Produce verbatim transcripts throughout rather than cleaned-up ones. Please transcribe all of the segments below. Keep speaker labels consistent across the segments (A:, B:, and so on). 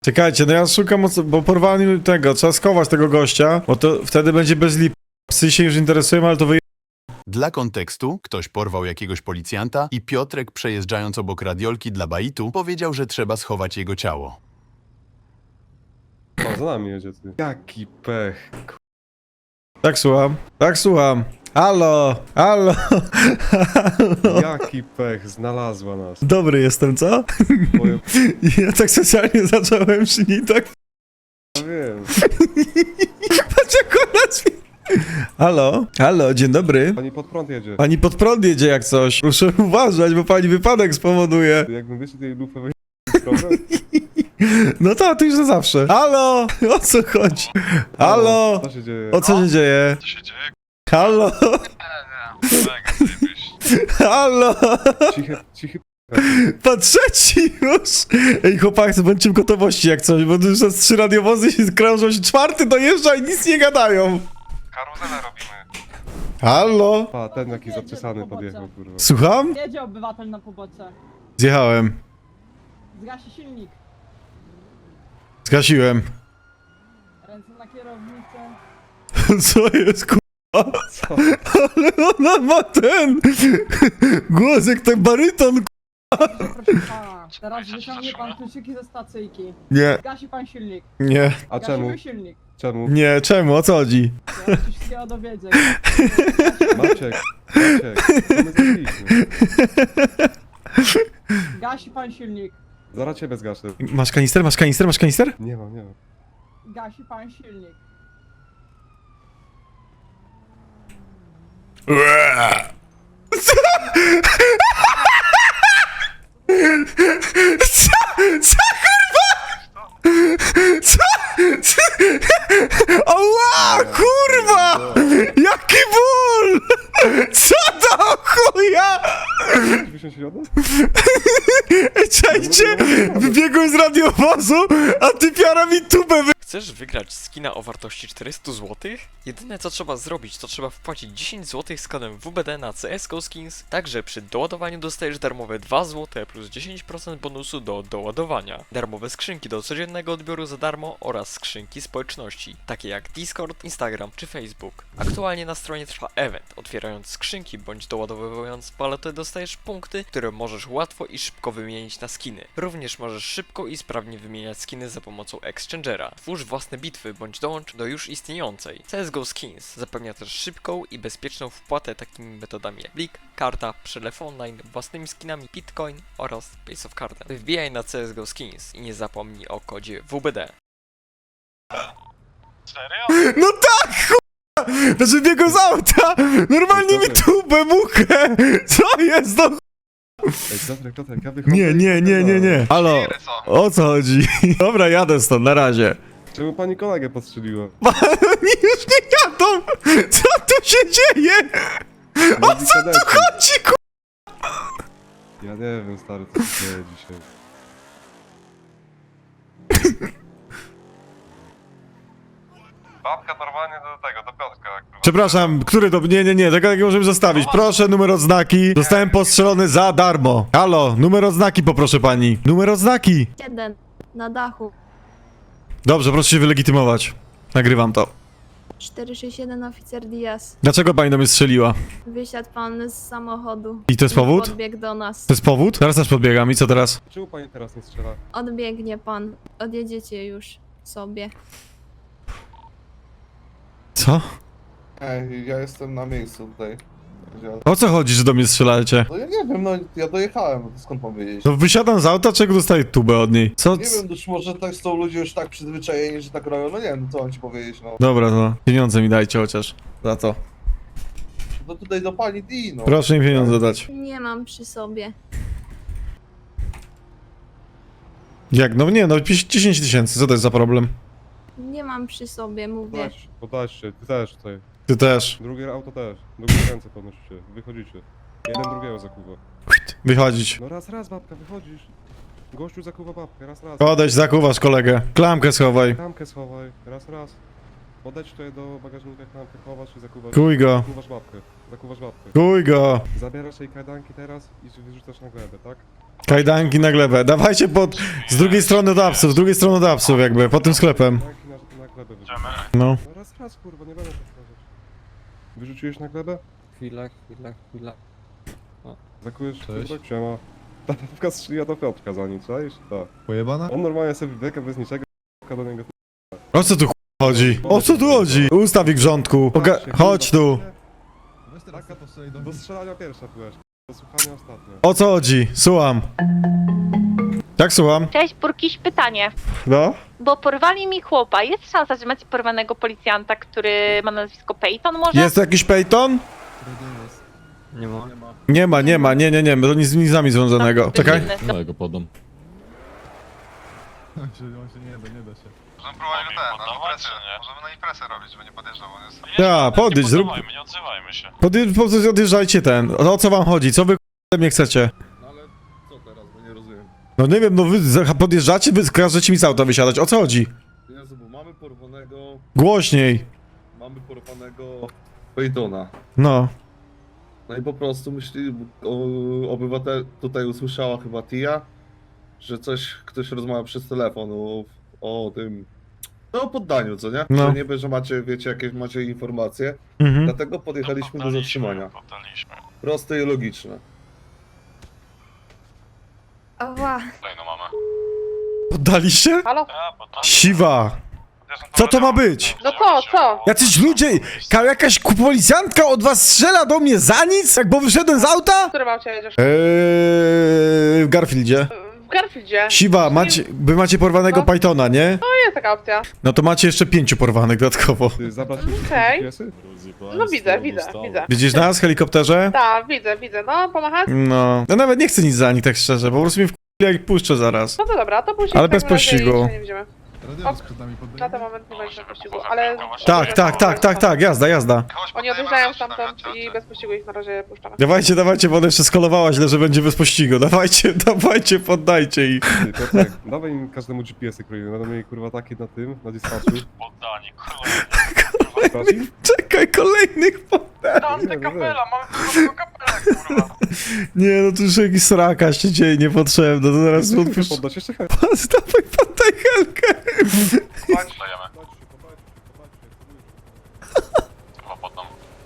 A: Czekajcie, no ja szukam, bo porwali tego, trzeba schować tego gościa, bo to wtedy będzie bez lip. Psy się już interesują, ale to wy...
B: Dla kontekstu, ktoś porwał jakiegoś policjanta i Piotrek, przejeżdżając obok radiolki dla baitu, powiedział, że trzeba schować jego ciało.
C: O, za nami jedzie ty. Jaki pech.
A: Tak słucham, tak słucham. Halo, halo, halo.
C: Jaki pech, znalazła nas.
A: Dobry jestem, co?
C: Powiem,
A: Ja tak specjalnie zacząłem przy niej tak...
C: ja wiem.
A: Patrz jak ona drzwi... Halo, halo, dzień dobry.
C: Pani pod prąd jedzie.
A: Pani pod prąd jedzie jak coś. Muszę uważać, bo pani wypadek spowoduje.
C: Jakbym wyszedł tej lufy problem.
A: No to, to już na zawsze. Halo, o co chodzi? Halo,
C: Co się dzieje?
A: o co się dzieje?
D: Co się dzieje?
A: Halo,
D: Mega zajebiście.
A: halo,
C: Cichy, cichy.
A: patrzę ci już. Ej chłopaki, bądźcie w gotowości jak coś, bo tu już nas trzy radiowozy się krążą, się czwarty dojeżdża i nic nie gadają.
D: Karuzelę robimy.
A: Halo,
C: A, ten jaki zaczesany podjechał, kurwa.
A: słucham?
E: Jedzie obywatel na pobocze.
A: Zjechałem,
E: Zgasi silnik.
A: zgasiłem.
E: Ręce na kierownicę.
A: Co jest kurwa?
C: Co?
A: Ale ona ma ten głos jak ten baryton.
E: Proszę pana, teraz wyciągnie pan kluczyki ze stacyjki.
A: Nie,
E: Zgasi pan silnik.
A: nie,
C: A czemu?
E: Gasimy silnik.
C: Czemu?
A: nie, czemu, o co chodzi?
E: Ja coś wszystkiego dowiedzę.
C: Maciek, Maciek, co my zrobiliśmy?
E: Gasi pan silnik.
C: Zaraz ciebie zgaszę.
A: Masz kanister, masz kanister, masz kanister?
C: Nie mam, nie mam.
E: Gasi pan silnik.
A: Co? Co kurwa? Co? Co? Oła, kurwa! Jaki ból! Co do chuja?
C: Wysiąść środę?
A: Czajcie, wybiegłem z radiowozu, a ty piara mi tubę wy...
F: Chcesz wygrać skina o wartości czterysta złotych? Jedyne co trzeba zrobić, to trzeba wpłacić dziesięć złotych z kodem W B D na C S G O Skins, także przy doładowaniu dostajesz darmowe dwa złote plus dziesięć procent bonusu do doładowania. Darmowe skrzynki do codziennego odbioru za darmo oraz skrzynki społeczności, takie jak Discord, Instagram czy Facebook. Aktualnie na stronie trwa event, otwierając skrzynki bądź doładowując paletę dostajesz punkty, które możesz łatwo i szybko wymienić na skiny. Również możesz szybko i sprawnie wymieniać skiny za pomocą Exchangera. Twórz własne bitwy bądź dołącz do już istniejącej. C S G O Skins zapewnia też szybką i bezpieczną wpłatę takimi metodami jak blik, karta, przelew online, własnymi skinami Bitcoin oraz Base of Cardem. Wbijaj na C S G O Skins i nie zapomnij o kodzie W B D.
D: Serio?
A: No tak, chuja! Znaczy biegłem z auta, normalnie mi tubę muchę! Co jest do...
C: Ej, Piotrek, Piotrek, ja wychodzę.
A: Nie, nie, nie, nie, nie. Halo,
D: Ile co?
A: o co chodzi? Dobra, jadę stąd, na razie.
C: Czemu pani kolegę postrzeliła?
A: Oni już nie jadą! Co tu się dzieje? O co tu chodzi, ku...
C: Ja nie wiem, stary, co się dzieje dzisiaj.
D: Babka normalnie do tego, do Piotrka. kurwa.
A: Przepraszam, który to... Nie, nie, nie, tego nie możemy zostawić. Proszę numer odznaki. Zostałem postrzelony za darmo. Halo, numer odznaki poproszę pani. Numer odznaki.
G: Jeden. Na dachu.
A: Dobrze, proszę się wylegitymować. Nagrywam to.
G: cztery sześć jeden oficer Diaz.
A: Dlaczego pani do mnie strzeliła?
G: Wysiadł pan z samochodu.
A: I to jest powód?
G: Podbiegł do nas.
A: To jest powód? Teraz też podbiegam i co teraz?
C: Czemu pani teraz nie strzela?
G: Odbiegnie pan. Odjedziecie już sobie.
A: Co?
H: Ej, ja jestem na miejscu tutaj. Ja,
A: O co chodzi, że do mnie strzelacie?
H: no ja nie wiem, no ja dojechałem, no to skąd mam wiedzieć?
A: No wysiadam z auta, czego dostaję tubę od niej? Co?
H: Nie wiem, już może tak są ludzie już tak przyzwyczajeni, że tak robią, no nie wiem, co mam ci powiedzieć, no.
A: Dobra, to pieniądze mi dajcie chociaż. Za to.
H: No tutaj do pani D, no.
A: Proszę mi pieniądze dać.
G: Nie mam przy sobie.
A: Jak? No nie, no dziesięć tysięcy, co to jest za problem?
G: Nie mam przy sobie, mówię.
C: Podać, podać się, ty też tutaj.
A: Ty też.
C: Drugie auto też. Do góry ręce podnosicie, wychodzicie. Jeden drugiego zakuwa.
A: Wychodzić.
C: No raz, raz babka, wychodzisz. Gościu zakuwa babkę, raz, raz.
A: Odejdź, zakuwasz kolegę. Klamkę schowaj.
C: Klamkę schowaj, raz, raz. Podać tutaj do bagażnika, klamkę chowasz i zakuwasz.
A: Kuj go.
C: Zakuwasz babkę, zakuwasz babkę.
A: Kuj go.
C: Zabierasz jej kajdanki teraz i wyrzucasz na glebę, tak?
A: Kajdanki na glebę. Dawajcie pod... z drugiej strony do apsów, z drugiej strony do apsów jakby, pod tym sklepem.
C: Tanki na, na glebę wyrzuciłeś.
A: No.
C: No raz, raz, kurwa, nie będę tak powiedzieć. Wyrzuciłeś na glebę?
I: Chwila, chwila, chwila.
C: Zakujesz,
I: Cześć.
C: kurwa, ciema. Ta pewka strzeliła do Piotrka za nic, czaisz? Tak.
I: Pojebana?
C: On normalnie sobie wybiega bez niczego, k***a do niego.
A: O co tu ch- chodzi? O co tu chodzi? Ustaw ich w rządku. Oga chodź tu.
I: Weź teraz
C: Taka-
I: postrzelaj do
C: Do strzelania pierwsza byłeś, do słuchania ostatnio.
A: O co chodzi? Słucham. Tak, słucham.
J: Cześć, Burkiś, pytanie.
A: No?
J: Bo porwali mi chłopa. Jest szansa, że macie porwanego policjanta, który ma nazwisko Peyton może?
A: Jest tu jakiś Peyton?
I: Nie ma.
A: Nie ma, nie ma, nie, nie, nie, to nic z nami związanego. Czekaj.
J: No,
I: ja go podam. On się, on się nie da, nie da się.
D: Możemy próbować go ten, na imprezę. Możemy na imprezę robić, żeby nie podjeżdżał, on jest...
A: Ja, podejdź, zrób...
D: nie odzywajmy się.
A: Podje- po- Odjeżdżajcie ten. O co wam chodzi? Co wy k***a mnie chcecie?
H: No ale co teraz, bo nie rozumiem.
A: No nie wiem, no wy za- podjeżdżacie, wy każecie mi z auta wysiadać. O co chodzi?
H: Jezu, bo mamy porwanego,
A: Głośniej.
H: mamy porwanego Peytona.
A: No.
H: No i po prostu myśli, o, obywatel tutaj usłyszała chyba Tia, że coś, ktoś rozmawia przez telefon o, o tym, no o poddaniu, co nie?
A: No.
H: Że niby, że macie, wiecie, jakieś macie informacje,
A: Mhm.
H: dlatego podjechaliśmy do zatrzymania.
D: Poddaliśmy.
H: Proste i logiczne.
G: Ała.
D: Kolejną mamy.
A: Poddaliście?
J: Halo?
D: A, poddaliśmy.
A: Siwa. Co to ma być?
J: No co, co?
A: Jacyś ludzie, ka- jakaś ku- policjantka od was strzela do mnie za nic? Jak bo wyszedłem z auta?
J: W którym aucie jedziesz?
A: Eee, w Garfieldzie.
J: W Garfieldzie.
A: Siwa, macie, wy macie porwanego
J: No.
A: Pythona, nie?
J: To jest taka opcja.
A: No to macie jeszcze pięciu porwanych dodatkowo.
C: Ty zabrać mi
J: Okej.
C: G P S-y?
J: No widzę, widzę, widzę.
A: Widzisz nas w helikopterze?
J: Tak, widzę, widzę. No, pomachać?
A: No. Ja nawet nie chcę nic za nich, tak szczerze, po prostu mi w jak puszczę zaraz.
J: No to dobra, to później
A: Ale
J: w
A: bez
J: takim razie
A: pościgu.
J: jeszcze nie będziemy.
I: Radiowóz przed nami
J: Na
I: poddaje.
J: ten moment nie będzie pościgu, ale...
A: Tak, tak, tak, tak, tak, jazda, jazda.
J: Oni odjeżdżają stamtąd i bez pościgu ich na razie puszczamy.
A: Dawajcie, dawajcie, bo ona jeszcze skolowała źle, że będzie bez pościgu. Dawajcie, dawajcie, poddajcie ich.
C: Ty, Piotrek, dawaj im każdemu G P S-y kroimy, będą mieli kurwa takie na tym, na dispatchu.
D: Poddanie, kurwa.
C: Sprawdzi?
A: Czekaj, kolejnych poddaj.
D: Dante kapela, mamy tylko kapelę, kurwa.
A: Nie, no tu już jakiś sraka się dzieje niepotrzebna, to zaraz
C: Chcesz
A: odpuszczę.
C: poddać jeszcze chęć.
A: Dawaj, poddaj Helkę.
D: Dajemy. Chyba poddam.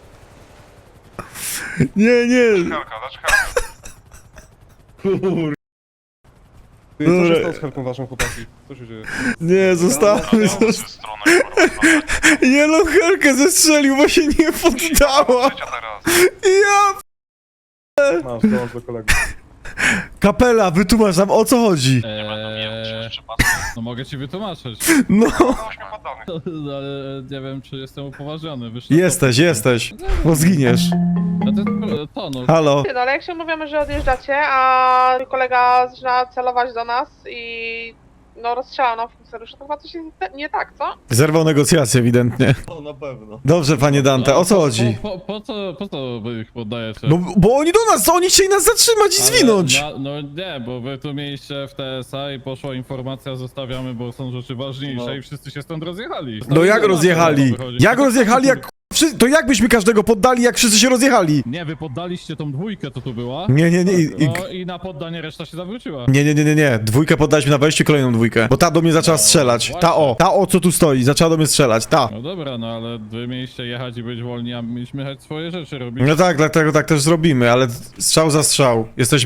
A: Nie, nie.
D: Helka, dać helkę.
H: Kur...
C: Ty, co się
A: Dobra.
C: stało z helką waszą, chłopaki? Co się dzieje?
A: Nie, zostawmy,
D: Trzy
A: zostawmy.
D: strony, kurwa.
A: Nie, no Helkę zestrzelił, bo się nie poddała.
D: Życia teraz.
A: Ja...
C: Masz, dołącz do kolegów.
A: Kapela, wytłumacz nam, o co chodzi.
D: Nie będą nie wiem, czy przypadkiem.
K: No mogę ci wytłumaczyć,
A: No,
D: Ośmiu poddanych.
K: ale nie wiem czy jestem upoważniony. Wiesz, no to-
A: jesteś, jesteś. Bo zginiesz.
K: No to, to no.
A: Halo.
J: Ty, no ale jak się umawiamy, że odjeżdżacie, a mój kolega zaczyna celować do nas i... No rozstrzela nam funkcjonariusza, to chyba coś jest nie- nie tak, co?
A: Zerwał negocjacje ewidentnie.
H: O, na pewno.
A: Dobrze, panie Dante, o co chodzi?
K: Po, po, po co, po co wy ich poddajecie?
A: No, bo oni do nas, oni chcieli nas zatrzymać i
K: Ale
A: zwinąć.
K: Na, no nie, bo wy tu mieliście w T S A i poszła informacja, zostawiamy, bo są rzeczy ważniejsze
H: No.
K: i wszyscy się stąd rozjechali.
A: No jak
K: Stąd
A: rozjechali?
K: wychodzi.
A: Jak rozjechali, jak wszy- to jak byśmy każdego poddali, jak wszyscy się rozjechali?
K: Nie, wy poddaliście tą dwójkę, to tu była.
A: Nie, nie, nie, i, i,
K: No i na poddanie reszta się zawróciła.
A: nie, nie, nie, nie, nie. Dwójkę poddaliśmy na wejściu, kolejną dwójkę. Bo ta do mnie zaczęła strzelać. Ta o, ta o, co tu stoi, zaczęła do mnie strzelać, ta.
K: No dobra, no ale wy mieliście jechać i być wolni, a mieliśmy jechać swoje rzeczy robić.
A: No tak, dlatego tak też zrobimy, ale strzał za strzał. Jesteśmy